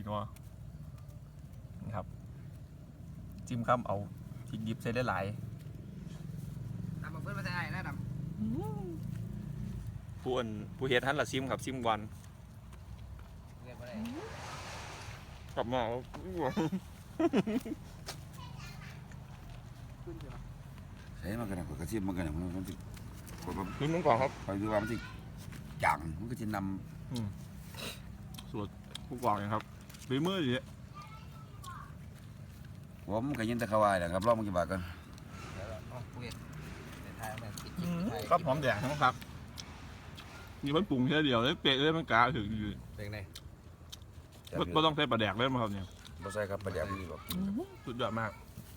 นัวนี่ครับจิ้มข้ามเอาพริกดิบใส่ได้หลายดำมาเพื่อนมาใส่ได้ดำผู้เฮ็ดฮันละซิมครับซิมวันกลับมาใช่มากันนะกระเทียมมากันนะมันจะขึ้นมันก่อนครับไปดูว่ามันจะจังมันก็จะนสูตรผู้กองอย่างครับฝีมือดีผมก็ยินแต่เขาว่านะครับรอบมันกี่บาทกันครับหอมแดงทั้งครับนี่มันปรุงแค่เดียวเลยเป๊ะเลยมันกาถึงอยู่เป็นไงไม่ต้องใส่ปลาแดกเลยมั้งครับเนี่ยไม่ใช่ครับปลาแดกนี่บอกสุดยอดมาก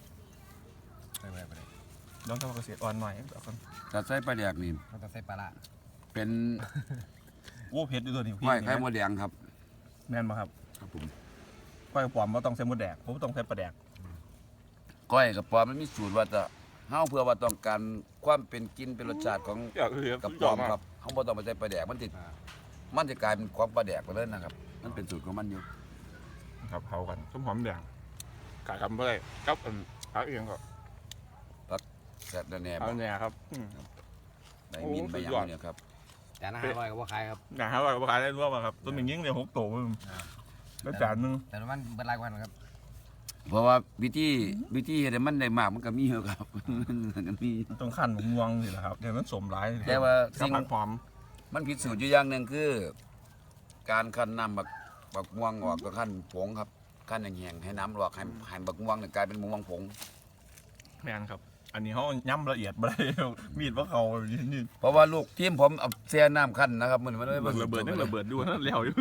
ต้องทำเกษตรอ่อนหน่อยถ้าใส่ปลาแดกนี่เราต้องใส่ปลาละเป็นโอ้เผ็ดด้วยตัวนี้ก้อยไข่มดแดงครับแม่นมาครับครับผมก้อยปอมว่าต้องใส่มดแดกผมต้องใส่ปลาแดกก้อยกับปอมมันมีสูตรว่าจะเฮาเพื่อว่าต้องการความเป็นกินเป็นรสชาติของกับปอมครับเฮาบ่ต้องไปใส่ปลาแดกมันจะกลายเป็นของปลาแดกไปเลยนะครับมันเป็นสูตรของมันอยู่ครับเผากันต้มหอมแดงกะทำเพื่อกับพักเองก็พักแซ่บแน่ๆเอาแน่ครับในมินไปอย่างนี้ครับแต่น่าอร่อยกับว่าใครครับน่าอร่อยกับว่าใครได้รู้ป่ะครับต้นหนึ่งยิ่งเนี่ย6 โตแล้วจานนึงแต่มันเป็นรายวันครับเพราะว่าวิธีเฮ็ดให้มันได้มากมันก็มีเยอะครับมันมีต้องขั้นม่วงสิแหละครับเดี๋ยวมันสมร้ายแต่ว่าสิ่งหอมมันผิดสูตรอยู่อย่างหนึ่งคือการคั้นน้ำบักม่วงออกก็ขั้นผงครับขั้นแห้งๆให้น้ำออกให้บักม่วงกลายเป็นม่วงผงแม่นครับอันนี้เขาย่ำละเอียดไปมีดว่าเขานี่เพราะว่าลูกทีมผมเอาเสียน้ำขั้นนะครับมันระเบิดระเบิดด้วยแล้วอยู่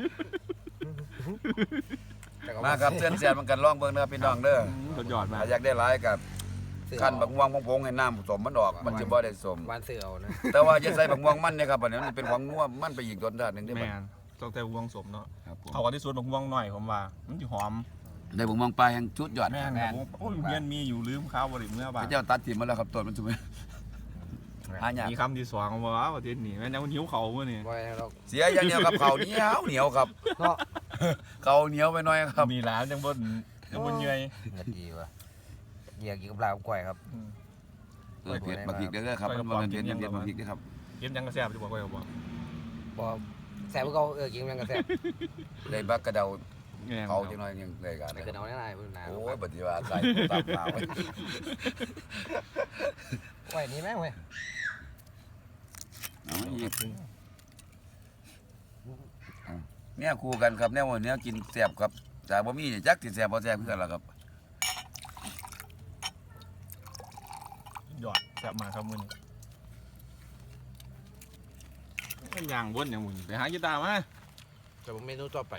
มาครับเส้นเสียมันกันล่องเบิ้งนะครับพี่น้องเด้อสุดยอดมากอยากได้หลายกับขั้นบักม่วงผงให้น้ำผสมมันออกมันจะบ่ได้สมวันเสือเอานะแต่ว่าจะใส่บักม่วงมันเนี่ยครับอันนี้มันเป็นของนัวมันไปอีกรสชาติหนึ่งได้ไหมต้องแต่ม่วงสมเนาะเขาก็ที่สุดบักม่วงหน่อยผมว่ามันจะหอมได้บักม่วงปลาแห่งชุดยอดแม่นโอ้ยเงี้ยมีอยู่ลืมข้าวบริเมื่อบ่ายเจ้าตัดถิ่มมาแล้วครับต้นมันถูกไหมมีคำที่2ว่าประเทศนี้แม่ยังหิวเขาเมื่อนี่เสียอย่างเดียวกับเขาเหนียวครับเขาเหนียวไปหน่อยครับมีร้านยังบนเยื่อยดีว่ะเยี่ยกินกับปลาก้อยครับเผ็ดบะพริกได้ครับมันเป็นเผ็ดบะพริกได้ครับกินยังกระแซบจะบอกไว้บ่แซ่บก็กินยังกระแซ่บเลยบักกระเดาเขาจังหน่อยยังเลยกันกระเดาแน่ๆพุ่นนาโอ้ยปฏิวัติใส่ตามมาไว้ไว้นี่แม่เว้ยเนี่ยคู่กันครับเนี่ยวันนี้กินแซ่บครับแต่บ่มีจักสิแซ่บบ่แซ่บเพื่อนล่ะครับหยอดแซ่บมาครับมื้อนี้เป็นอย่างวนอย่างมึงไปหากีตาร์มาแต่ผมเมนูต่อไป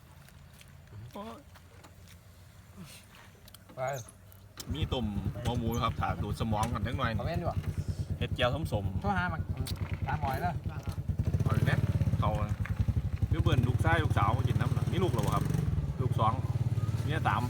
มีตุ่มหัวหมูครับถาดูดสมองกันนิดหน่อยเห็ดเจียวสมโทษหามันตาหอยแล้วหอยแน่เขาคือเบิ่นลูกชายลูกสาวมากินน้ำหนักนี่ลูกหรอครับลูก2เนี่ย3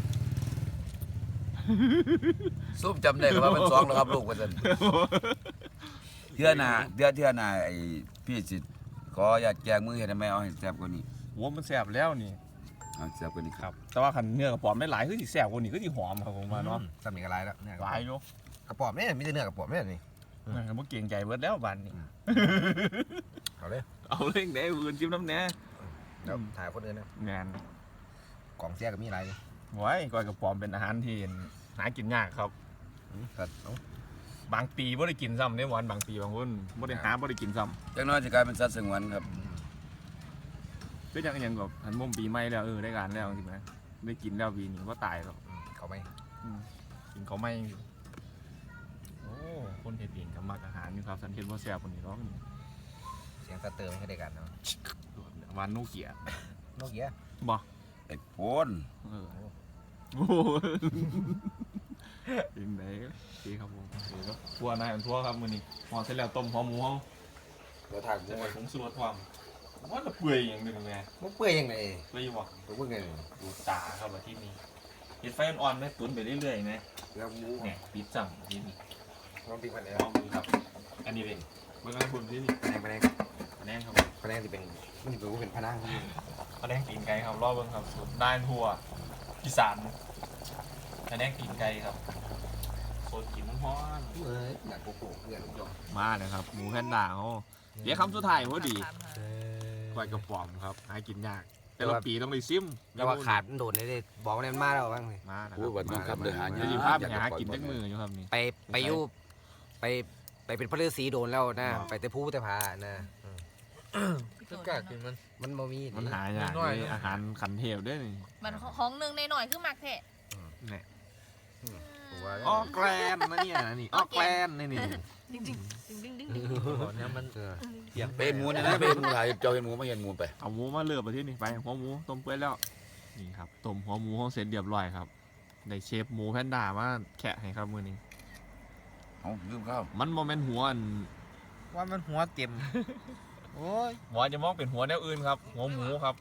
ซุปจำได้ว่ามัน2แล้วครับลูกว่าซั่นเทื่อหน้าไอ้พี่สิขออยากแจงมือเฮ็ดให้แม่เอาให้แซ่บกว่านี้โหมันแซ่บแล้วนี่แซ่บกว่านี้ครับแต่ว่าคันเนื้อกระป๋อมไม่หลายคือสิแซ่บกว่านี้คือสิหอมครับผมว่าเนาะสมีกระไรแล้วหลายอยู่กระป๋อมนี่มีแต่เนื้อกระป๋อมนี่นี่มันเก่งใจเบิดแล้วบ้านนี้เอาเลยได้อื่นจิ้มน้ำแหน่แล้วถ่ายคนอื่นนะงานกล่องแซ่ก็มีอะไรไว้ก้อยกระป๋อมเป็นอาหารที่หากินยากครับบางปีไม่ได้กินซ้ำในวันบางปีบางคนไม่ได้หาไม่ได้กินซ้ำจังน้อยจะกลายเป็นสัตว์สงวนครับก็ยังแบบหันมุมปีใหม่แล้วได้การแล้วจริงไหมได้กินแล้วปีนี้ว่าตายแล้วเขาไม่กินเขาไม่อยู่โอ้คนเฮ็ดเองกับมักอาหารนี่ครับสันเทนว่าแซ่บคนนี้ร้องเสียงสเตอร์ไม่ให้ได้กันเนาะวันโนเกียบ่ไอ้โพนยังไงดีครับผมทัวร์นายทัวร์ครับมื้อนี้หอเสร็จแล้วต้มหอมหมูเราทานจะไปผงสูตรความว่าจะเปื่อยอย่างนึงไงมันเปื่อยยังไงเปื่อยบ่ผมเปื่อยไงดูตาครับที่นี่เห็ดไฟอ่อนๆไหมตุ๋นไปเรื่อยๆนะแล้วหมูเนี่ยปิดจังที่นี่ลองปิดมันเลยลองดูครับอันนี้เป็นเมื่อกี้คุณที่นี่แผนงครับแผนงที่เป็นมันจะเป็นพนังพแนงตีนไก่ครับรอบเบิ่งครับสูตรนายทัวอีสานแผนงตีนไก่ครับโคตรกินฮ้อนเอ้ยอยากโกโก้เพื่อนลูกยองมาเลยครับหมูแพนด้าเขาเดี๋ยวคำสุดท้ายพอดีก้อยกระป๋อมครับหากินยากแต่ละปีต้องได้ซิมแต่ว่าขาดมันโดดเลยบอกว่ามันมาแล้วบ้างเลยมานะคโอ้รับวันนี้ครับเดือหาเดี๋ยวสิภาพหากินจักมืออยู่ครับนี่ไปอยู่ไปเป็นพระฤาษีโดนแล้วนะไปแต่ผู้แต่พานะก็กล้ากินมันมันบ่มีมันหายากเลยอาหารขันเทพด้วยนี่มันของหนึ่งในหน่อยคือมักแท้เนี่ยตัวอ้อแกรนนะเนี่ยนี่อ้อแกรนนี่นี่ดิ้งดิ้งดิ้งดิ้งเนี่ยมันเป็นหมูนะเป็นหมูไทยเจ้าเห็นหมูไม่เห็นหมูไปเอาหมูมาเลือกไปที่นี่ไปหัวหมูต้มเปื่อยแล้วนี่ครับต้มหัวหมูห้องเสร็จเรียบร้อยครับได้เชฟหมูแพนด้ามาแคะให้ครับมือนี้เอาลืมข้าวมันโมเมนหัวอันว่ามันหัวเต็มโอ้ยหัวจะมองเป็นหัวแนวอื่นครับ หัวหมูครับ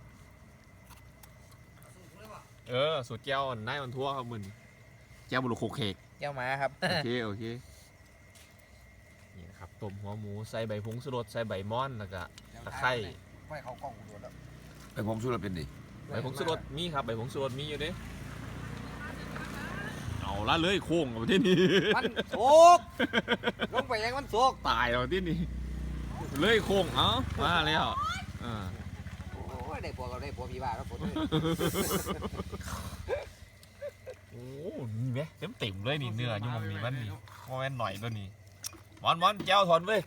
สูตรแก้วอันนายมันทั่วครับมือนี้แก้วบุรุษโคเคกเจ้าหมาครับโอเคโอเคนี่นะครับต้มหัวหมูใส่ใบผงชูรสใส่ใบม่อนแล้วก็ตะไคร้ไม่เขากล้องโดนแล้วไปผมสู้เราเป็นดิใบผงชูรสมีครับใบผงชูรสมีอยู่เด้เอาละเลยโค้งเอาที่นี่มันโศกลงไปยังมันโศกตายเอาที่นี่เลยโค้งเอ้ามาแล้วอ่าโอ้ยได้พวกเราได้พวกพี่บ้าแล้วผมโอ้นี่ไหมเต็มเลยนี่เนื้ออยู่มันนี่มันนี่โมเมนหน่อยตัวนี้มอนแก้วถอนเว้ย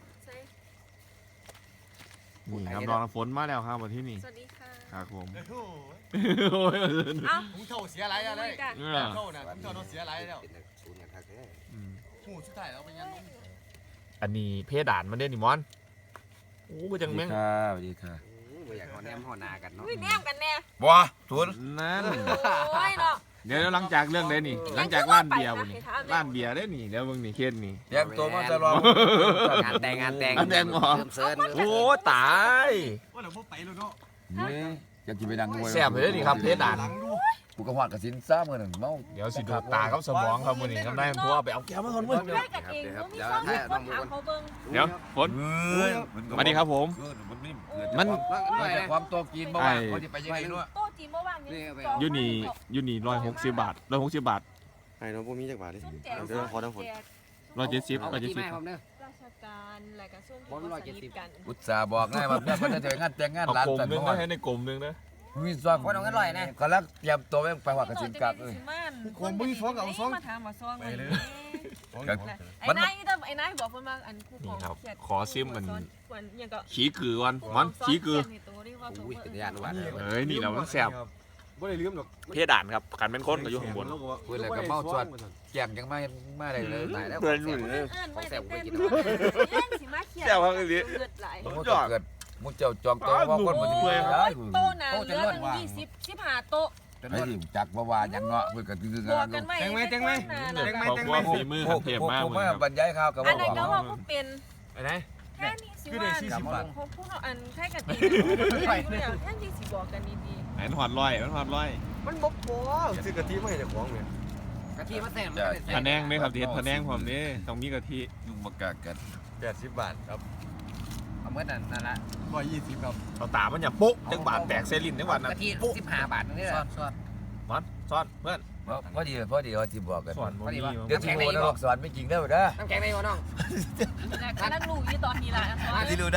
นี่ครับรองน้ำฝนมาแล้วครับวันที่นี่สวัสดีค่ะครับผมโอ้โอ้ยเอ้ามึงเท่าเสียอะไรอะไรกันเท่าน่ะมึงเท่าเสียอะไรแล้วเป็นศูนย์อย่างทักแท้อืมหูสุดท้ายเราเป็นยังอันนี้เพดานมันเด่นนี่มอนโอ้ก็จังแม่งค่ะสวัสดีค่ะไม่อยากหอแนมหอนากันเนาะอุ้ยแนมกันแน่บัวทุนนั่นโอ้ยเนาะเดี๋ยวหลังจากเรื่องได้นี่ หลังจากร้านเบียร์วันนี้ร้านเบียร์ได้นี่แล้วมึงนี่เคสนี่เตรียมตัวมาจะรองงานแต่งงานแต่งเหรอเริ่มเซิร์นโอ้ตายว่าเราพวกไปแล้วเนาะนี่อยากกินไปดังมวยแซ่บเลยนี่ครับเพดานหลังดูกูกระหวัดกระสินซ่าเมื่อหนึ่งเมาเดี๋ยวสิดูตากับสมองครับวันนี้ครับได้ทั่วไปเอาแก้วมาทนเว้ยได้กันเองเขามีซ้อมมีคนถามเขาเบิ่งเดี๋ยวฝนเฮ้ยสวัสดีครับผม มันเกิดจากความตัวกินบ่ว่าเขาจะไปยังไงด้วยโต๊ะจีนเมื่อวานนี้ยูนี่160 บาท160 บาทไอ้น้องพวกมีจักบาทดิซุ่มแจกเดี๋ยวขอน้ำฝน 170 เอาไปที่แม่ผมเด้อราชการอะไรกันซุ่มบอล170 กันอุตส่าห์บอกง่ายว่าเพื่อนคนจะเจองานแต่งงานเอาร้านกลมแต่งนึงงานะนให้ในกลมนึงนะมีส่วนคนเอาเงินลอยนะก็แล้วเตรียมตัวไปหวัดกระสินกักเลยคนบุ้ยฟ้องเอาฟ้องมาถามมาซ้องเลยไอ้นายไอ้นายบอกเพิ่นว่าอันคู่ของยังก็ขี้กือวันมันขี้กืออุ้ยเป็นญาติหวานเอ้ยนี่เรามันแซ่บบ่ได้ลืมหรอกเพดานครับกันเป็นคนก็อยู่ข้างบนพูดเลยกับเมาชวนแก้มยังมาได้เลยตายแล้วเอิ้นไว้แต่เต้นเล่นสิมาเขียนเลือดไหลมุเกิดมุเจ้าจองตัวว่าคนมันจะมีได้โต๊ะน่ะเหลือตั้ง15โต๊ะไอ้ที่จักว่ายังเงาะเพื่อกันคือบวกกันไว้ขอบคุณฝีมือครับเทพมากผมเลยว่าครับบรรยายข่าวกับอันว่านั้นก็ว่าผู้เป็นไปไหนแค่นี้สิว่าเขาพูดอันแค่กันดีแค่นี้สิบอกกันดีไหนหอดร้อยมันหอดร้อยมันบ่พอซื้อกะทิมาให้เจ้าของเนี่ยกะทิมาแซ่บพะแนงไหมครับเด็ดพะแนงผมนี่ต้องมีกะทิยุ่งมากกัน 80 บาทครับเอาเมื่อนั่นละ 120ครับเอาตามันอย่าปุ๊จังบาทแตกเซลินจังหวัดนะกะทิ15 บาทนี่แหละมันซ่อนเพื่อนพอดีเขาที่บอกกันสอนบ่มีเดี๋ยวที่โมนะบอกสอนไม่จริงได้ไหมนะน้ำแข็งในบ่น้องๆกำลังรู้อยู่ตอนนี้ล่ะที่รู้นะ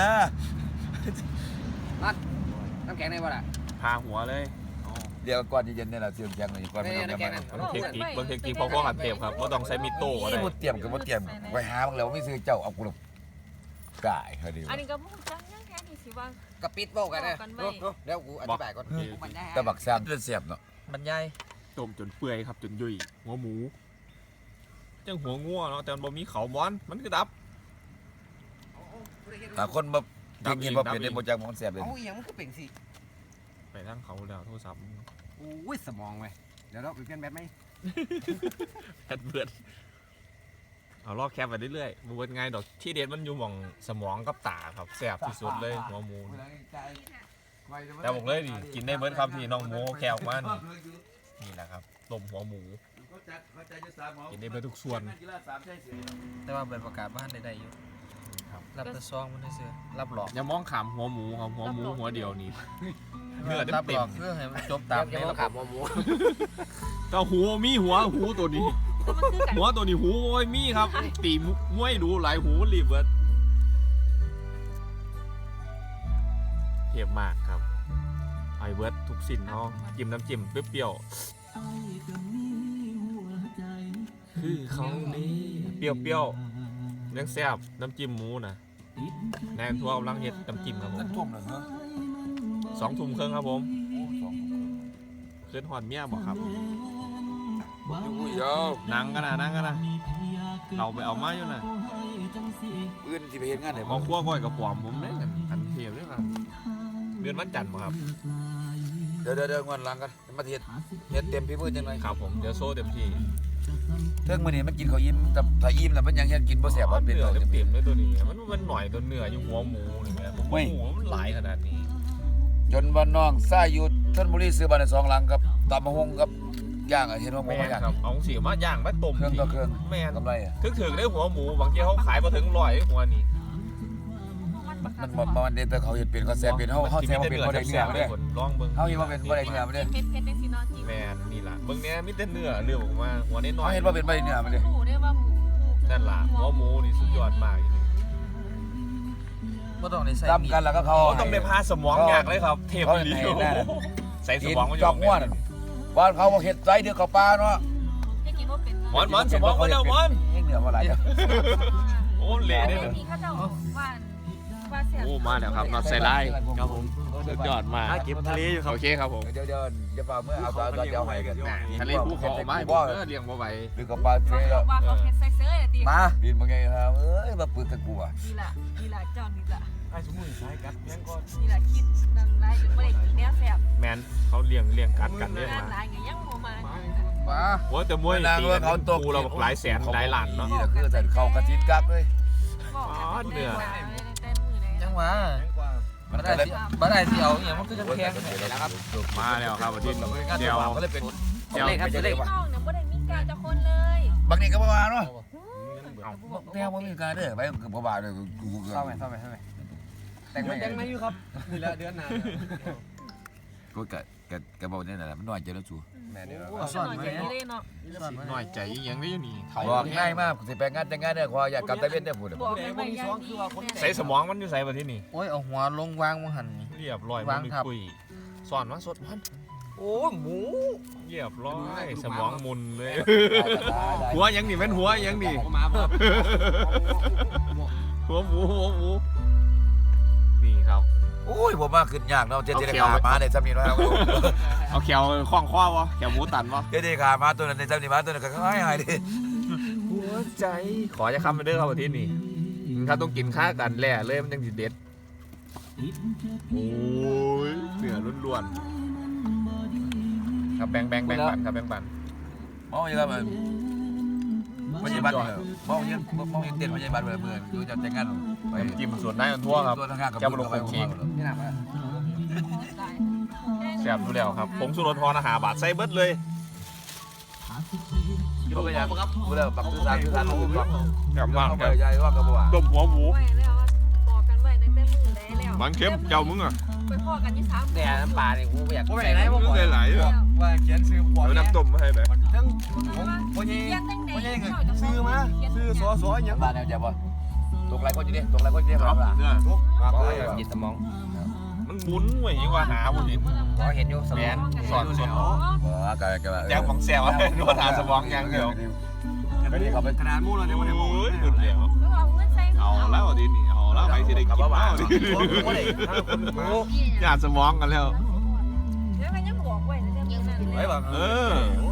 น้ำแข็งในบ่ล่ะพาหัวเลยเดี๋ยวก่อนเย็นเนี่ยเราเตรียมแกงเลยก่อนไม่ต้องแกงเบิ่งเทคนิคพอหันเทปครับว่าต้องใช้มิโต้ก็ได้นี่มุดเตรียมกับมุดเตรียมไว้หาบ้างแล้วไม่ซื้อเจ้าเอากูหลบกายเขาดีอันนี้ก็พูดจังยังแค่นี้สิว่ากะปิดโบกันนะเดี๋ยวกูอธิบายก่อนตะบักแซมเลือดเสียบเนาะบรรยายต้มจนเปื่อยครับจนยุ่ยหัวหมูจังหัวงัวเนาะแต่มันบ่มีเขาม้อนมันคือดับคนมากินพอเปลี่ยนได้โมจังมันเสียบเลยเอาอย่างมันก็เป็นสิไปทั้งเขาแล้วโทรศัพท์อุ้ยสมองไว้เดี๋ยวเราไปเปลี่ยนแบตไหมแพทเบิร์ดเอาลอกแคปไปเรื่อยๆมันเป็นไงดอกที่เด็ดมันอยู่หม่องสมองกับตาครับแซ่บที่สุดเลยหัวหมูแต่บอกเลยดิกินได้เบิร์ดครับที่น้องหมูแควมันนี่แหละครับต้มหัวหมูกินได้เบิร์ดทุกส่วนแต่ว่าเปิดประกาศบ้านได้อยู่คครับรับแต่ซองมันได้เสือรับหลอกอย่ามองขามหัวหมูครับหัวหมูหัวเดียวนี่เนื้อรับหเต็ลอมกเพื่อให้มันจบตามยังในมาระขับบหัวหมูๆแต่หูมีหัวตัวนี้แต่มันคือกันหัวตัวนี้หูโอ้ยมีครับ ตีมวยดูหลายหูมันรีบเบิดเทียบมากครับไอเบิร์ดทุกสิ่งเนาะจิ้มน้ำจิ้มเปรี้ยวๆคือเขานี่เปรี้ยวๆยังแซ่บน้ำจิ้มหมูนะแนนทัวร์กำลังเฮ็ดน้ำจิ้มครับผมทุ่มเลยเนาะ 2 ทุ่มครึ่งครับผมขึ้นหอดเมียบอกครับอยู่ยาวนั่งกันนะเราไปเอามาอยู่นะอื่นที่ไปเห็นงานไหนหมอคั่วก้อยกับปอมผมได้กันเทียบด้วยกันเดือนวันจันทร์บ่ครับเดี๋ยวงานหลังกันมาเฮ็ดเต็มพี่มือจังเลยครับผมเดี๋ยวโซ่เต็มที่เรื่องมื้อนี้มันกินข้าวอิ่มแต่ถ้าอิ่มแล้วมันยังเฮ็ดกินบ่แซ่บบ่เป็นเนื้เลอย เต็มเลยตัวนี้มันหน่อยตัวเนื้ออยู่หัวหมูนี่แหละผมว่าหมูมันหลายขนาดนี้จนว่าน้องซ่าอยู่ชลบุรีซื้อบ้านได้2หลังครับตำมะฮงกับย่างเห็นว่าหมูแม่ย่างครับเอาสีมาย่างมาต้มเครื่องต่อเครื่องแม่นกำไรอ่ะถึงได้หัวหมูบางทีเขาขายมาถึง100หัวนี่มันมันเด็ดแต่เขาเฮ็ดเป็นเขาแซ่บเป็นเฮาแซ่บบ่เป็นบ่ได้เนื้อเด้ลองเบิ่งเฮาเฮ็ดว่าเป็นบ่ได้เนื้อบ่ได้เผ็ดในซีนอจีแม่นนี่ล่ะเบิ่งเนี้ยมีแต่เนื้อเรื่องออกมาหัวน้อยเฮาเฮ็ดว่าเป็นบ่ได้เนื้อบ่ได้หมูได้ว่าหมูนั่นล่ะหัวหมูนี่สุดยอดมากก็ต้องได้ใส่ตำกันแล้วก็เขาโอ้ต้องไปพาสมองอยากเลยครับเทพอีหลีใส่สมองมันอจยู่อกม่วนบ้านเขาบ่เฮ็ดไสเดือเขาปลาเนาะจะกินว่าเป็นหมอนสมองมาแล้วหมอนเนื้อบ่หลายจ้ะโอ้เละเนี่ยมีข้าวเจ้าว่าเสียโอ้มาแล้วครับนอตใส่ไล่ครับผมสุดยอดมากเก็บทะเลอยู่ครับโอเคครับผมเดี๋ยวอย่าเปล่าเมื่อเอาตัวเดียวให้กันทะเลภูเขาไม้เลี้ยงบ่ไหวหรือกับปลาเฟรแล้วว่าเขาเผ็ดใส่เสื้อตีมาบินมาไงครับเอ้ยมาปืนตะกูอ่ะนี่แหละเจ้านี่แหละไอ้สมุนไพรกัดยังก็นี่แหละคิดนั่นไรจนไม่ได้กินแนวแสบแมนเขาเลี้ยงกัดกันเลี้ยงงานมาหลายไงยังโมมามาโอ้แต่มวยตีกันกูเราหลายแสนหลายล้านเนาะนี่แหละคือใส่เข้ากระชิ้นกักเลยบอกเนื้อเต้นมือเลยจังหวะบ่ได้สิเอาอย่างมันคือจังแพงแล้วครับมาแล้วครับวันที่เดียวก็เลยเป็นเดียวครับเลขน้องเนี่ยไม่ได้มีการจะคนเลยบางทีก็ประมาณเนาะแนวว่ามีการเด้อไปคือประมาณเลยกูเกินเข้าไหมแต่งไม่แต่งไม่อยู่ครับนี่ละเดือนหน้าก็กะบอกนี่แหละมันน้อยใจแล้วจูแม่เดี๋ยวสอนใจเลยเนาะหน่อยใจยังได้อยู่นี่เขาบอกง่ายมากสิไปงานแต่งงานเนี่ยขออยากกลับตะเวนได้พูดบอกไม่ยังดีใส่สมองมันอยู่ใส่ประเทศนี้โอ้ยเอาหัวลงวางมังหันเรียบร้อยมันคุยสอนมาสดมันโอ้หมูเรียบร้อยสมองมุนเลยหัวยังนี่เป็นหัวยังนี่หัวหมูนี่ครับโอ้ยผมมาขึ้นยากเนาะเจดีขามาในซ้ำนี่เนาะเอาแขวคล้องคว้าวะแขวหมูตันวะเจดีขามาตัวนั้นในซ้ำนี่มาตัวนั้นก็ง่ายๆดิหัวใจขอจะคำไปเด้อครับประเทศนี้ถ้าต้องกินข้ากันแหล่เลยมันยังสิเด็ดโอ้ยเนื้อล้วนๆครับแบ่งปันครับแบ่งปันมองยังไงมันยังบัตรมองยังเด่นมันยังบัตรเหมือนดูจะแต่งงานไปน้ำจิ้มส่วนได้มันทั่วครับตัวข้างกับนี่หนักอ่ะแซ่บดูแล้วครับผงชูรสพออาหารบาทใส่เบิดเลยก็ไปยังครับดูแล้วปักซื้อสารมาถูกต้องแซ่บมากเข้าคไปรับใหญ่ว่ากับว่าต้มหัวหมูไว้แล้วบอกกันไว้ตั้งแต่มือได้แล้วบางเข้มเจ้ามึงอ่ะไปพ่อกันที่3 แต่น้ำปลาเนี่ยกูอยากใส่หลายเลยว่าเขียนซื้อหัวเอาน้ำต้มมาให้ไหมทั้งพ่อใหญ่ซื้อมาซื้อสออย่างบ้านแนวจะบ่ตกไรก็จะได้ตกไรก็จะได้ครับล่ะเนี่ยจิตสมองมันหมุนเว้ยยิ่งกว่าหาบุญอินพอเห็นอยู่สมแมองนสอนสดก็แจ้งของแซวดูหาสมองอย่างเดียวก็ดีเขาไปขนาดมู้แล้วเนี่ยมันโอ้ยดุดเดียวก็เอาเงินใส่เอาแล้วดินี่เอาแล้วใครจะได้กินแล้วดิญาติสมองกันแล้วแล้วก็ยังบอกไว้ในเรื่องนั้นไว้แบบเออ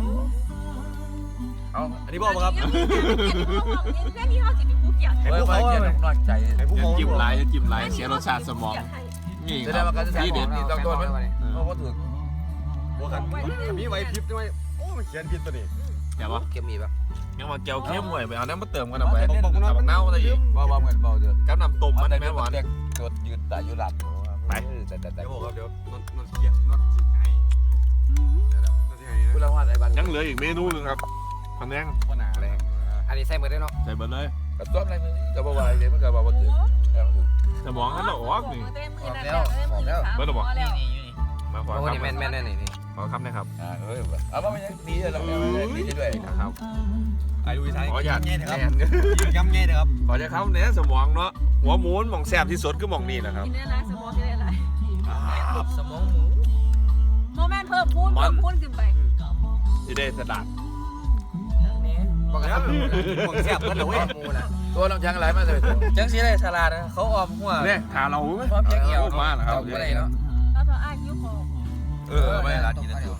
เอาอันนี้บอกครับเรื่องที่เขาสิเป็นผู้เกี่ยวไว้ไว้เจ็บนอนใจจะจิ้มลายเสียรสชาติสมองนี่จะคได้รับมาการจะที่เด็ดนี่ต้องโดนมันเพราะว่าถือบอกกันมีไว้พิบด้วยโอ้มันเขียนผิดตัวนี้เดี๋ยววะเก็บมีแบบยังมาเจียวเข้มหน่อยไปเอาน้ำมาเติมกันเอาไปเอาเน่าอะไรอีกเบาเหมือนเบาเด้อกับน้ำต้มมันแม่หวานเด็กจดยืนแต่อยู่หลับแต่เดี๋ยวบอกครับเดี๋ยวนอนเขียนนอนสิให้นอนสิให้คุณละวันไอ้บ้านยังเหลืออีกเมนูนึงครับพะแนงก็หนาแรงอันนี้ใส่หมดได้เนาะใส่เบอร์เลยกระต้นอะไรมึงก็บอกว่าอะไรมันก็บอกว่าถือโสมองนั่นหรอวะนี่เบิร์ดบอกนี่อยู่นี่มาขอโอ้คำนี่แม่นๆนี่ขอคำนะครับเอาว่ามันยังดีเลยเราดีด้วยนะครับไอ้ดูท้ายขออยากเงี้ยนะครับแน่นยืนย้ำเงี้ยนะครับขอจะคำเนี่ยสมองเนาะหัวหมูนหม่องแซ่บที่สุดคือหม่องนี่นะครับกินได้ไรสมองกินได้ไรสมองหมูโมเมนต์เพิ่มพูนขึ้นไปที่ได้สดัดบอกกันหมวกเสียบกันเลยเว้ยหมูนะตัวน้ำช้างไหลมาเลยจังสีเลยสลัดนะเขาออมหัวเนี่ยขาเราพร้อมจะเกี่ยวมาแล้วครับอะไรเนาะแล้วเธออ้ายคิ้วคอไม่ร้านกินได้ตัว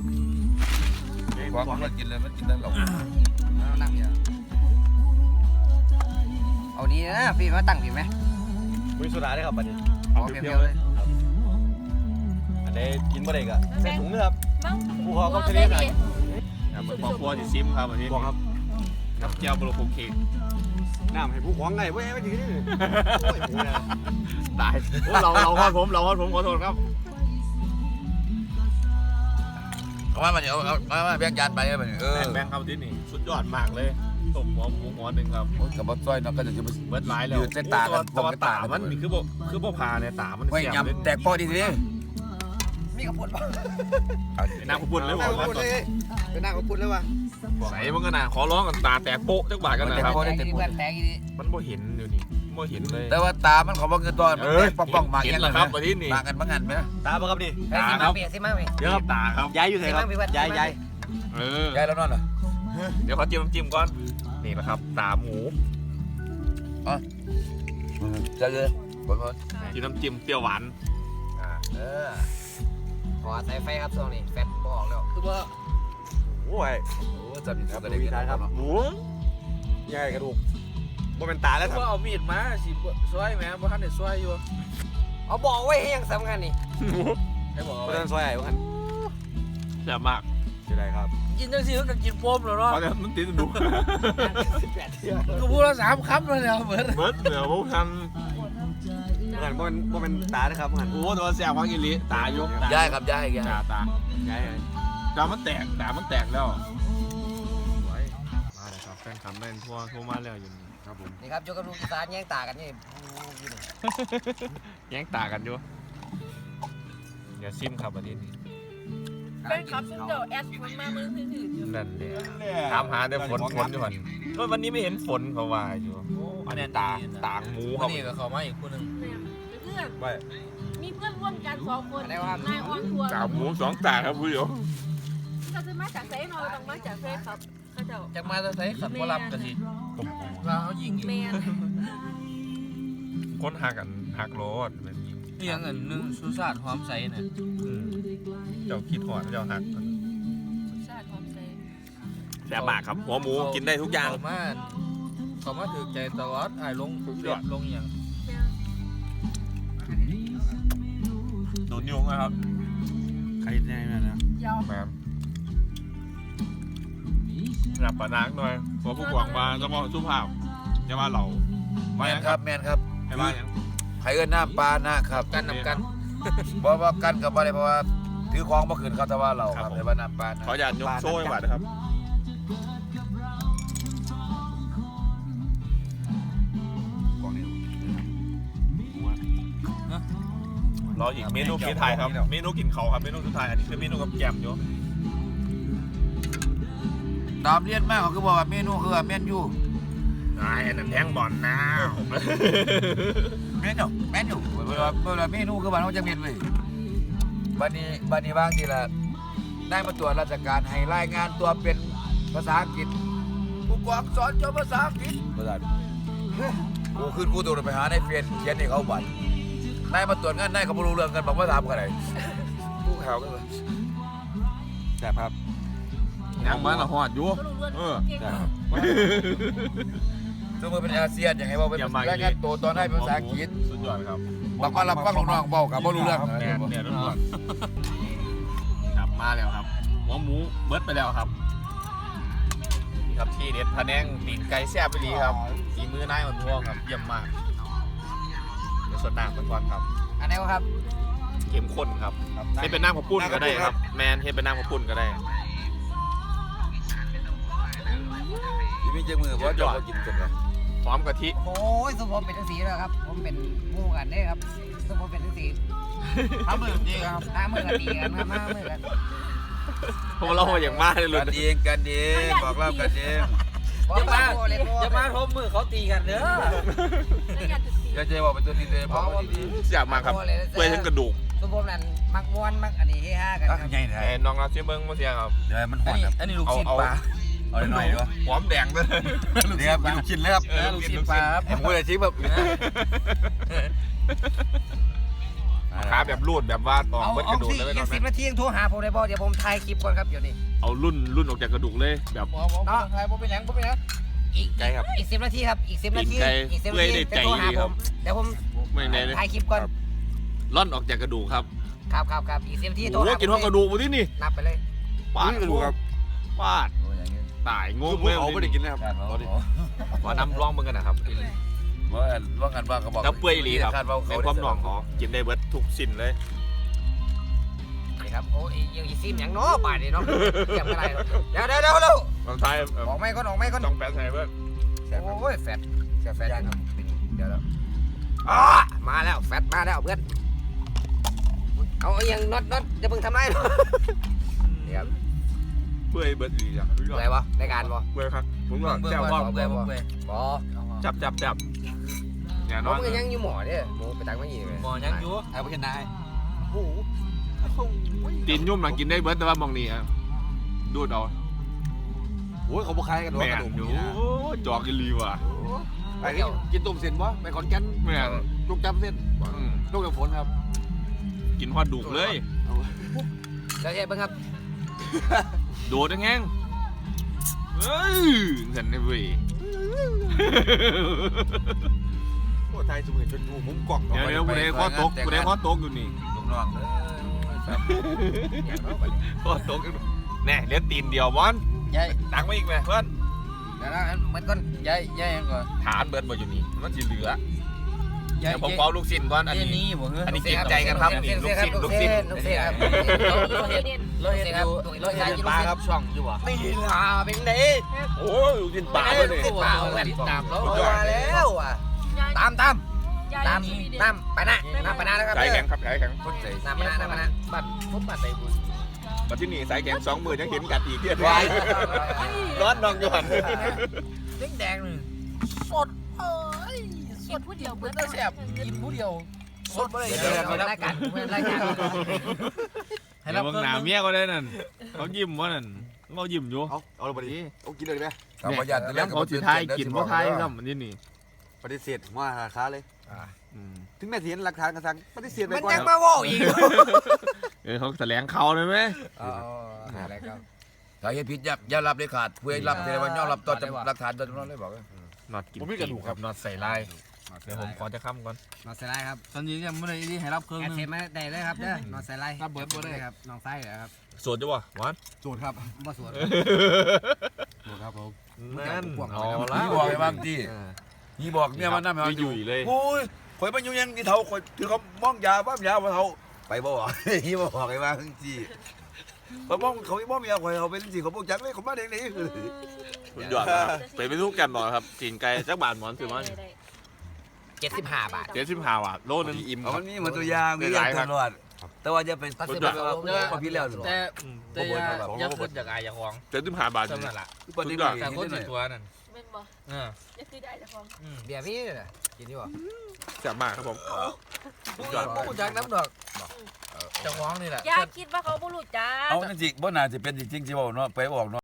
ความมันกินเลยมันกินได้หรอกนั่งเดียวเอาดีนะพี่มาตั้งพี่ไหมมีโซดาได้ครับบัดนี้เอาเพียวๆเลยอันนี้กินบ่ได้ก็ใส่ถุงนะครับบ้างกูขอเขาจะเรียกอะไรเหมือนครอบครัวที่ซิมครับวันนี้บอกครับกับแก้วบลูโคเค้กน้ำให้ผู้ขวางไงเว้ยไม่ถึงนี่โอ้ยโหนะตายโอ้เราฮอดผมขอโทษครับเอาว่ามันเอามาแบ่งจานไปเลยมันแบงค์ครับที่นี่สุดยอดมากเลยต้มหัวหมูหัวหนึ่งครับกับบัตรซอยเนาะก็จะเบิร์ดไลน์แล้วยืดเส้นตากันตัวกันตาตากันมันนี่คือบ่พาเนี่ยตามันไม่เสียบเลยยำแตกปอดีทีนี้มีกระปุกป่ะน้ำขบุญเลยบอกว่าเป็นหน้ากระปุกเลยวะใส่มันก็น่ะขอร้องกันตาแตกโป๊ะจักบาทกันนะครับแตกอีเพื่อนแตกอีนี่มันบ่เห็นอยู่นี่บ่เห็นเลยแต่ว่าตามันเขาบอกเงินตัวมันป้องๆมาเห็นเงี้ยแล้วครับวันนี้นี่มากันบ้างงันไหมตาบ่ครับดิเฮ้ยสิมาเปียสิมาเปียเดี๋ยวครับตาครับย้ายอยู่ไหนครับย้ายเออยายแล้วนอนเหรอเดี๋ยวเขาจิ้มก่อนนี่นะครับตาหมูจะเลยบนที่น้ำจิ้มเปรี้ยวหวานขอใส่ไฟครับช่วงนี้แฟตบอกแล้วคือว่าโอ้ยโอ้จำผิดครับก็ดูได้วิธีครับหมูใหญ่กระดูกบ่เป็นตาแล้วครับว่าเอามีดมาสิซอยแม่บ่ทันได้ซอยอยู่เอาบอกไว้ให้ยังสำคัญนี่ให้บอกบ่ทันซอยไอ้บ่ทันแซ่บมากจะได้ครับกินจังซี่ก็กินโฟมแล้วเนาะเพราะมันติดดูก็พูดละ3คำแล้วเนี่ยเหมือนเบิร์ดเหนือพวกทันบ่ทันบ่เป็นตานะครับบ่ทันโอ้ตัวแซ่บมากอีหลีตายกย้ายครับย้ายตาย้ายตามันแตกแล้วมาเลยครับแฟนคลับได้ทั่วมาแล้วอยู่นี่ครับผมนี่ครับยกกระดูกอีสานแย่งตากันนี่แย่งตากันอยู่อย่าซิมครับประเด็นนี้เป็นครับซึ่งเดี๋ยวแอดมันมามือถืออยู่นั่นเลยถามหาแต่ฝนอยู่ก่อนก็วันนี้ไม่เห็นฝนเขาว่าอยู่อันนี้ตางหมูควัรันบนี้ก็เข้ามาอีกคนนึงเพื่อนไปมีเพื่อนร่วมกัน2 คนนายออนทัวร์ตางหมู2ตาครับผู้ชมเขาจะมาจากไซนอต้องมาจากเฟซครับเขาจะจักมาจะใส่ขันบ่รับก็สิว่าเขายิงอีกแมนคนหักโลดแบบนี้นี่ยังอันนึงสุสานหอมใสน่ะเจ้าคิดหอดเจ้าหักชาติความเซแซ่บมากครับหัวหมูกินได้ทุกอย่างเขามาถือใจตลอดอ้ายลงเฟซลงหยังโดนยุงนะครับใครแน่นั่นนะยาวแมมหลับปะนักหน่อยเพราะผู้กวางมาต้องบอกสุภาพอย่าว่าเราแมไม่นนะคครัรับบ แมนครับให้ว่าอย่างไข่เอิ้นน้ำปลานะครับกันนำกันเพราะว่ากันกับอะไรเพราะว่าถือของมาคืนเขาแต่ว่าเราครับแต่ว่าน้ำปลาขออย่าตยกโซ่ให้บาดนะครับรออีกเมนูกินไทยครับเมนูกินเขาครับเมนูสุดท้ายอันนี้คือเมนูกับแกมอยู่ตามเรียนมากเขาคือบอกว่าเมนูคือเมนยูไอ้อันนั้นแทงบอลนะเมนูเวลาเมนูคือบ้านเขาจะเมนเลยบันนี้บางทีละได้มาตรวจราชการให้รายงานตัวเป็นภาษาอังกฤษผู้กองสอนภาษาอังกฤษภาษากูขึ้นกูตัวไปหาในเฟซเขียนให้เขาบัตรได้มาตรวจงานได้เขาไม่รู้เรื่องกันบอกว่าถามกันไหนกูข่าวกันเลยแซ่บครับยังมาละหอดอยู่ก็รู้เรื่องเก่งซึ่งมันเป็นอาเซียนอย่างไรบอกเป็นรายงานตัวตอนได้เป็นภาษาอังกฤษสุดยอดครับบอกว่าเราฟังน้องๆบอกกับไม่รู้เรื่องแน่เนี่ยรถครับมาแล้วครับหัวหมูเบิร์ดไปแล้วครับนี่ครับที่เด็ดพะแนงตีนไก่แซ่บไปดีครับฝีมือนายอ่อนทวงครับเยี่ยมมากเดี๋ยวสดน้ำไปก่อนครับอันนี้ครับเข้มข้นครับเฮ็ดเป็นน้ำข้าวปุ้นก็ได้ครับแมนเฮ็ดเป็นน้ำข้าวปุ้นก็ได้ที่มีเจ้ามือเพราะจอดกินกันครับหอมกะทิโอ้ยสุผมเป็นทั้งสีแล้วครับผมเป็นหมู่กันเด้ครับสุผมเป็นทั้งสีทำมือดีครับมือกันดีกันมามือกันพวกเราอย่างมากเลยกันเองกันเองบอกเล่ากันเองอย่ามาอย่ามาทบมือเขาตีกันเด้ออย่าเจ๊บอกเป็นตัวดีเลยบอกว่าดีอยากมาครับเปื่อยทั้งกระดูกสุผมนั่นมักม้วนมักอันนี้เฮฮากันๆคตั้รับงใหญ่แท้ไอ้น้องเราเสียเบิ้งมาเสียครับเดี๋ยวมันหอนครับอันนี้ลูกชิ้นปลาเอาหน่อยด้วยหอมแดงเลยนี่ครับลูกชิ้นเลยครับลูกชิ้นปลาครับผมก็เลยชิมแบบขาแบบรูดแบบว่าตอกเอาเบิ้กเอาระดูกสิเลยอีกไม่ 10 นาทียังโทรหาผมได้บ่เดี๋ยวผมถ่ายคลิปก่อนครับเดี๋ยวนี้เอารุ่นออกจากกระดูกเลยแบบหมอไทยบ่เป็นหยังบ่เป็นหยังอีกไกลครับอีก10 นาทีครับอีก10 นาทีไกลอีก10 เปื่นาอยทีได้ใจจะโทรหาดีผครับมเดี๋ยวผมไม่ในเลยถ่ายคลิปก่อนร่อนออกจากกระดูกครับครับอีก10 นาทีโทรโอ้หากินห้องกระดูกมาที่นี่นับไปเลยปาดกระดูกครับปาดอย่างนี้ตายงคืงอผมเอาไม่ได้กินเลยครับการตอนนี้ว่าน้ำร่องมึงกันนะครับว่ากันว่าก็บอกแล้วเปื่อยอีหลีครับคาดว่าในเขาความหน่องของกินได้เบิดทุกสิ่นเลยนี่ครับโอ้ยยังอีซิมอย่างเนาะป่านนี้เนาะเทียบกันได้เนาะเดี๋ยวตอนท้ายออกไม่ก่อนต้องแปะใส่เบิดโอ้ยแฟตยังเดี๋ยวอ๋อมาแล้วแฟตมาแล้วเพื่อนเอายังน็อตจะเพิ่งทำไรเนาะเดี๋ยวเปื่อยเบิดดีจ้ะอะไรวะในการบ่เปื่อยครับผมว่าเบื่อแซ่บบ่ว่าเบื่อบ่เบื่อบ่จับเนี่ยผนอมนก็ยังอยู่หมอเนี่ยหมูไปตักมาอีกเลยหมอยังอยู่เอาไปกินนายโอ้โหตีนยุ่มหลังกินได้เบิดแต่ว่ามองนี่ครับดูดเอาโอ้ยเขาบอกใครกันวะแม่กระนดูกอยู่เนี่ยจอกอีหลีว่ะไปกินต้มเส้นวะไปขอนแก่นแม่นจุกจับเส้นอืมจุกกับฝนครับกินฮอดดุกเลยเดี๋ยวเฮ็ดเบิ่งครับโดดยังไงเอ้ยเห็นได้เว้ยโอ้ไทยสมุนจนหูมุมกล่องเดี๋ยวกูได้ข้อตกอยู่นี่ลูกน้องเลยข้อตกอยู่แน่เหลือตีนเดียวบอลยายตักมาอีกไหมเพื่อนเดี๋ยวนะเหมือนก่อนยายยังก่อนฐานเบิดมาอยู่นี่มันจะเหลือยายเดี๋ยวผมเอาลูกศิษย์ก่อนอันนี้นี้บ่เฮ้ยอันนี้เก่งใจกันครับนี่ลูกศิษย์ลูกศิษย์ครับเราเห็นอยู่ปลาครับช่องอยู่บ่นี่ล่ะเป็นไงโอ้ยลูกศิษย์ป่าเลยนี่ติดป่าเว้ยตามแล้วมาแล้วอ่ะตามไปนะไปนะแล้วครับสายแข็งครับสายแข็งคนใจน้ำมานะบ้านผมบ้านใดบุญมาที่นี่สายแข็ง2 มือยังเห็นกัดอีกเทียบร้อนนองอยู่หันแดงๆนึงสดเอ้ยสดผู้เดียวเบิดแล้วแซ่บกินผู้เดียวสดบ่ได้เดี๋ยวรายการรายการให้เดี๋รัยบวเบิ่งเครื่องหน้านึงเมียก็ได้นั่นเขายิ้มว่านั่นเขายิ้มอยู่เอาเลยไปดิเอากินเลยไหมกับประหยัดแล้วเขาสิทายกินบ่ทายซ้ำอันนี้นี่ปฏิเสธว่าราคาเลย ถึงแม้ที่เห็นหลักฐานกระสังปฏิเสธไปมันก่อนยังมาว่าอีกเขาแถลงข่าวเลยไหมอะไรครับถ้าเฮ็ดผิดอย่ารับเลยขาดผู้ใดรับแต่ว่ายอมรับต่อจากหลักฐานตัวนั้นเลยบอกนอดกินครับนอดใส่ลายเดี๋ยวผมขอจะค้ำก่อนนอนใส่ไล่ครับตอนนี้ยังไม่ได้ที่ให้รับเครื่องแอดนึงเทมมาได้เลยครับเด้อนอนใส่ไล่ครับน้องไส้เหรอครับสวดจ้ะวะหวานสูตรครับบ่สวนสูตรครับผมนั่นเอาละนี่บอกไอ้บางที่นี่บอกเนี่ยมันน่าไม่เอาอยู่เลยโอ้ยข่อยมันอยู่ยังนี่เท่าข่อยถือเขามองยาบ้ามยาว่าเท่าไปบ่บอกนี่บ่บอกไอ้บางที่เขามองเขาไม่มองยาข่อยเขาเป็นสิเขาบอกจักเลยเขามาเด็กนี่คุณยอดครับไปทุกกันหมอครับกินไก่จักบาทหมอนสิมัน 75 บาท 75 บาทโลนึงอิ่มเอามันนี่เหมือนตัวยางมีอย่างตลอดแต่ว่าจะเป็นตัดสินพอพี่แล้วแต่อย่าขึ้นจากอายอย่าของ 75 บาทสำนั่นล่ะปฏิแต่คนสิตัวนั่นแม่นบ่เออจะคือได้แต่ของเบียร์พี่น่ะกินดีบ่แซ่บมากครับผมผู้จักน้ำดอกเจ้าของนี่แหละอย่าคิดว่าเขาบ่รู้จักเอาจริงบ่น่าจะเป็นจริงๆสิบ่เนาะไปบอกเนาะ